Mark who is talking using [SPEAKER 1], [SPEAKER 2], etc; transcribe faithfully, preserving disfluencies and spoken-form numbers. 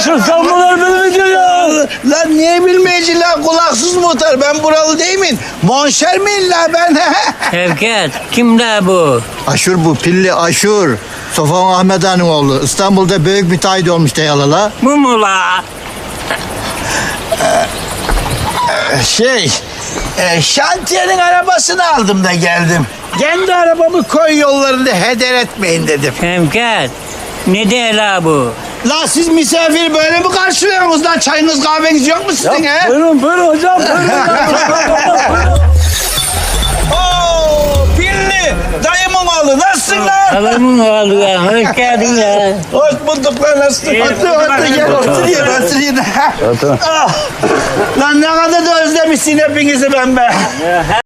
[SPEAKER 1] Aşır sen bunları bilmeyeceksin ya.
[SPEAKER 2] Lan niye bilmeyeceğim lan kulaksız muhtar? Ben buralı değil miyim? Monşer miyim la ben?
[SPEAKER 3] Şevket, kim la bu?
[SPEAKER 2] Aşur bu, pilli Aşur. Sofan Ahmet Han'ın oğlu. İstanbul'da büyük müteahhit olmuş deyalala.
[SPEAKER 3] Bu mu la?
[SPEAKER 2] Şey, e, şantiyenin arabasını aldım da geldim. Kendi arabamı koy yollarında heder etmeyin dedim.
[SPEAKER 3] Şevket, ne de la bu?
[SPEAKER 2] La siz misafir böyle mi karşılıyorsunuz lan? Çayınız kahveniz yok mu sizin he?
[SPEAKER 1] Buyurun buyurun hocam buyurun.
[SPEAKER 2] Oo, pilli dayımın oğlu nasılsın lan?
[SPEAKER 3] Adamın oğlu ya, hoş geldin ya.
[SPEAKER 2] Hoş bulduk lan nasılsın? Otur otur gel oturayım oturayım. Ah, lan ne kadar da özlemişsin hepinizi ben be.